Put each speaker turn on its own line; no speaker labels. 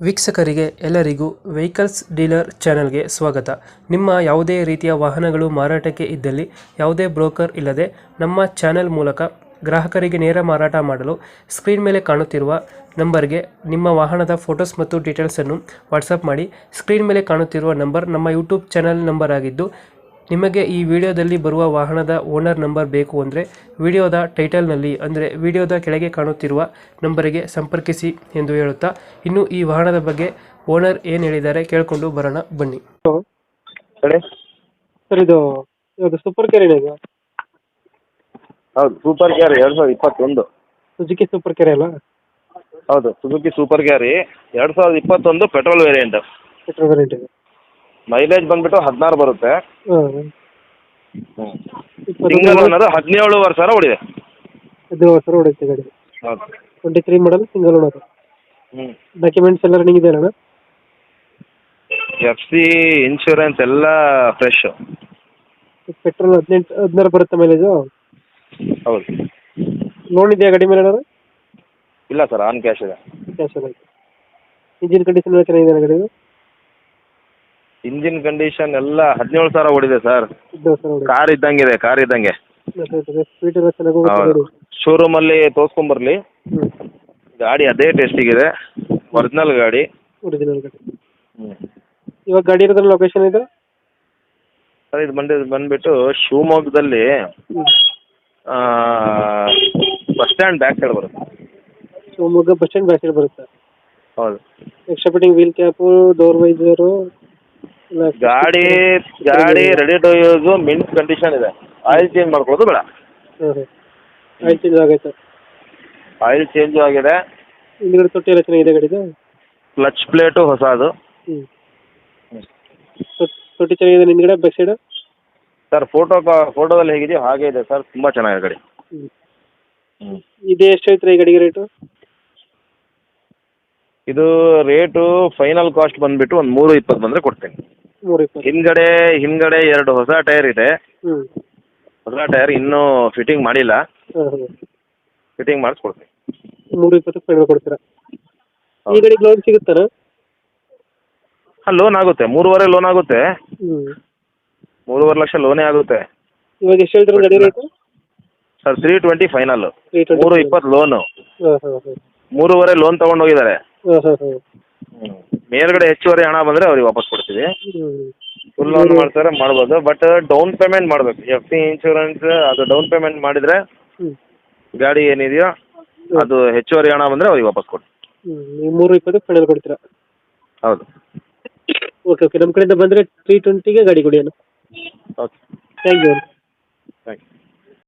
ವೀಕ್ಷಕರಿಗೆ ಎಲ್ಲರಿಗೂ vehicles dealer ಚಾನೆಲ್ಗೆ ಸ್ವಾಗತ. ನಿಮ್ಮ ಯಾವುದೇ ರೀತಿಯ ವಾಹನಗಳು ಮಾರಾಟಕ್ಕೆ ಇದ್ದಲ್ಲಿ ಯಾವುದೇ ಬ್ರೋಕರ್ ಇಲ್ಲದೆ ನಮ್ಮ ಚಾನೆಲ್ ಮೂಲಕ ಗ್ರಾಹಕರಿಗೆ ನೇರ ಮಾರಾಟ ಮಾಡಲು ಸ್ಕ್ರೀನ್ ಮೇಲೆ ಕಾಣುತ್ತಿರುವ ನಂಬರ್ಗೆ ನಿಮ್ಮ ವಾಹನದ ಫೋಟೋಸ್ ಮತ್ತು ಡೀಟೇಲ್ಸನ್ನು ವಾಟ್ಸಪ್ ಮಾಡಿ. ಸ್ಕ್ರೀನ್ ಮೇಲೆ ಕಾಣುತ್ತಿರುವ ನಂಬರ್ ನಮ್ಮ ಯೂಟ್ಯೂಬ್ ಚಾನೆಲ್ ನಂಬರ್ ಆಗಿದ್ದು, ನಿಮಗೆ ಈ ವಿಡಿಯೋದಲ್ಲಿ ಬರುವ ವಾಹನದ ಓನರ್ ನಂಬರ್ ಬೇಕು ಅಂದರೆ ವಿಡಿಯೋದ ಟೈಟಲ್ನಲ್ಲಿ ಅಂದರೆ ವಿಡಿಯೋದ ಕೆಳಗೆ ಕಾಣುತ್ತಿರುವ ನಂಬರಿಗೆ ಸಂಪರ್ಕಿಸಿ ಎಂದು ಹೇಳುತ್ತಾ, ಇನ್ನು ಈ ವಾಹನದ ಬಗ್ಗೆ ಓನರ್ ಏನು ಹೇಳಿದ್ದಾರೆ ಕೇಳಿಕೊಂಡು ಬರೋಣ ಬನ್ನಿ.
ಹೇಳಿ
ಸರ್, ಇದು ಸೂಪರ್ ಕ್ಯಾರಿಯರ್ ಇದು
ಹೌದು, Super Carry 2021.
Suzuki Super Carry ಅಲ್ಲ?
ಹೌದು, Suzuki Super Carry 2021 petrol variant.
Petrol variant ಇದೆ.
ಮೈಲೇಜ್ ಬಂದ್ಬಿಟ್ಟು 16 ಬರುತ್ತೆ.
ಹಾಂ,
ಸಿಂಗಲ್ ಓನರ್ 17,000 ಓಡಿದೆ.
17,000 ಹೊಡೆಯುತ್ತೆ ಗಾಡಿ.
ಹೌದು.
23 ಮಾಡಲ್, ಸಿಂಗಲ್ ಓನರ್.
ಹ್ಞೂ.
ಡಾಕ್ಯುಮೆಂಟ್ಸ್ ಎಲ್ಲ ರನ್ನಿಂಗ್ ಇದೆ ಅಣ್ಣ?
FC ಇನ್ಶೂರೆನ್ಸ್ ಎಲ್ಲ ಫ್ರೆಶ್.
ಪೆಟ್ರೋಲ್ 16 ಬರುತ್ತೆ ಮೈಲೇಜು?
ಹೌದು.
ಲೋನ್ ಇದೆಯಾ ಗಾಡಿ ಮೇಲೆ?
ಇಲ್ಲ ಸರ್, ಆನ್ ಕ್ಯಾಶ್ ಇದೆ.
ಕ್ಯಾಶ್ ಎಲ್ಲ ಐತೆ. ಇಂಜಿನ್ ಕಂಡೀಷನ್ ಎಲ್ಲ ಚೆನ್ನಾಗಿದೆ ಗಾಡಿದು?
ಇಂಜಿನ್ ಕಂಡೀಷನ್ ಎಲ್ಲ 17,000 ಓಡಿದೆ ಸರ್.
17,000
ಕಾರ್ ಇದ್ದಂಗಿದೆ, ಕಾರ್ ಇದ್ದಂಗೆ.
ಸ್ಪೀಡ್ ಎಲ್ಲ ಚೆನ್ನಾಗಿ ಹೋಗುತ್ತೆ
ಹೌದು.
ಗಾಡಿ.
ಶೋರೂಮಲ್ಲಿ ತೋರಿಸ್ಕೊಂಬರ್ಲಿ,
ಹ್ಞೂ,
ಗಾಡಿ ಅದೇ ಟೆಸ್ಟಿಗಿದೆ, ಒರಿಜಿನಲ್ ಗಾಡಿ.
ಒರಿಜಿನಲ್ ಗಾಡಿ.
ಹ್ಞೂ.
ಇವಾಗ ಗಾಡಿ ಇರೋದ್ರ ಲೊಕೇಶನ್ ಇದು?
ಸರ್, ಇದು ಬಂದ್ಬಿಟ್ಟು ಶಿವಮೊಗ್ಗದಲ್ಲಿ
ಹ್ಞೂ,
ಬಸ್ ಸ್ಟ್ಯಾಂಡ್ ಬ್ಯಾಕ್ ಸೈಡ್ ಬರುತ್ತೆ.
Shivamogga bus stand back side ಬರುತ್ತೆ.
ಹೌದು.
Extra fitting, wheel cap, door visor
ಗಾಡಿ ready to use, mint condition ಇದೆ. ಆಯಿಲ್ ಚೇಂಜ್ ಮಾಡ್ಕೊಳ್ಳೋದು ಬೇಡ.
ಹಾಂ ಹಾಂ, ಆಯಿಲ್ ಚೇಂಜ್ ಆಗೈತೆ?
ಆಯಿಲ್ ಚೇಂಜ್ ಆಗಿದೆ.
ಹಿಂದ್ಗಡೆ ತೊಟ್ಟಿ ಎಲ್ಲ ಚೆನ್ನಾಗಿದೆ ಗಾಡಿದು?
ಕ್ಲಚ್ ಪ್ಲೇಟು ಹೊಸದು.
ಹ್ಞೂ, ತೊಟ್ಟಿ ಚೆನ್ನಾಗಿದೆ ಹಿಂದ್ಗಡೆ ಬ್ಯಾಕ್ ಸೈಡ್?
ಸರ್, ಫೋಟೋದಲ್ಲಿ ಹೇಗಿದೆಯೋ ಹಾಗೆ ಇದೆ ಸರ್, ತುಂಬ ಚೆನ್ನಾಗಿದೆ ಗಾಡಿ.
ಹ್ಞೂ.
ಹ್ಞೂ.
ಇದು ಎಷ್ಟು ಹೇಳ್ತೀರಾ ಈ ಗಾಡಿಗೆ ರೇಟು?
ಇದು ರೇಟು ಫೈನಲ್ ಕಾಸ್ಟ್ ಬಂದುಬಿಟ್ಟು ಒಂದು 320 ಬಂದರೆ ಕೊಡ್ತೀನಿ.
320?
ಹಿಂದ್ಗಡೆ 2 ಹೊಸ ಟೈರ್ ಇದೆ.
ಹ್ಞೂ.
ಹೊಸ ಟೈರ್ ಇನ್ನೂ ಫಿಟ್ಟಿಂಗ್ ಮಾಡಿಲ್ಲ.
ಹಾಂ ಹಾಂ,
ಫಿಟ್ಟಿಂಗ್ ಮಾಡಿಸ್ಕೊಡ್ತೀನಿ.
320 ಫೈನಲ್ ಕೊಡ್ತೀರಾ? ಈ ಗಾಡಿಗೆ ಲೋನ್ ಸಿಗುತ್ತಾ?
ಹಾಂ, ಲೋನ್ ಆಗುತ್ತೆ. 3.5 ಲೋನ್ ಆಗುತ್ತೆ.
ಹ್ಞೂ,
3.5 ಲಕ್ಷ ಲೋನೇ ಆಗುತ್ತೆ.
ಇವಾಗ ಎಷ್ಟು ಹೇಳ್ತೀರಾ ಗಾಡಿ ರೇಟು?
Sir, 320 final,
320.
320 ಲೋನು.
ಹಾಂ ಹಾಂ ಹಾಂ.
3.5 ಲೋನ್ ತೊಗೊಂಡು ಹೋಗಿದ್ದಾರೆ.
ಹಾಂ ಹಾಂ ಹಾಂ.
ಮೇಲ್ಗಡೆ ಹೆಚ್ಚುವರಿ ಹಣ ಬಂದರೆ ಅವ್ರಿಗೆ ವಾಪಸ್ ಕೊಡ್ತೀವಿ.
ಹ್ಞೂ,
ಫುಲ್ ಲೋನ್ ಮಾಡ್ತಾರೆ ಮಾಡ್ಬೋದು, ಬಟ್ ಡೌನ್ ಪೇಮೆಂಟ್ ಮಾಡಬೇಕು. FC ಇನ್ಶೂರೆನ್ಸ್ ಅದು ಡೌನ್ ಪೇಮೆಂಟ್ ಮಾಡಿದರೆ
ಹ್ಞೂ,
ಗಾಡಿ ಏನಿದೆಯೋ ಅದು ಹೆಚ್ಚುವರಿ ಹಣ ಬಂದರೆ ಅವ್ರಿಗೆ ವಾಪಸ್ ಕೊಡ್ತೀವಿ.
ಹ್ಞೂ, ನೀವು 320 ಫೈನಲ್ ಕೊಡ್ತೀರಾ?
ಹೌದು.
ಓಕೆ ಓಕೆ, ನಮ್ಮ ಕಡೆಯಿಂದ ಬಂದರೆ 320ಗೆ ಗಾಡಿ ಕೊಡಿ ಅಣ್ಣ.
Okay,
thank you.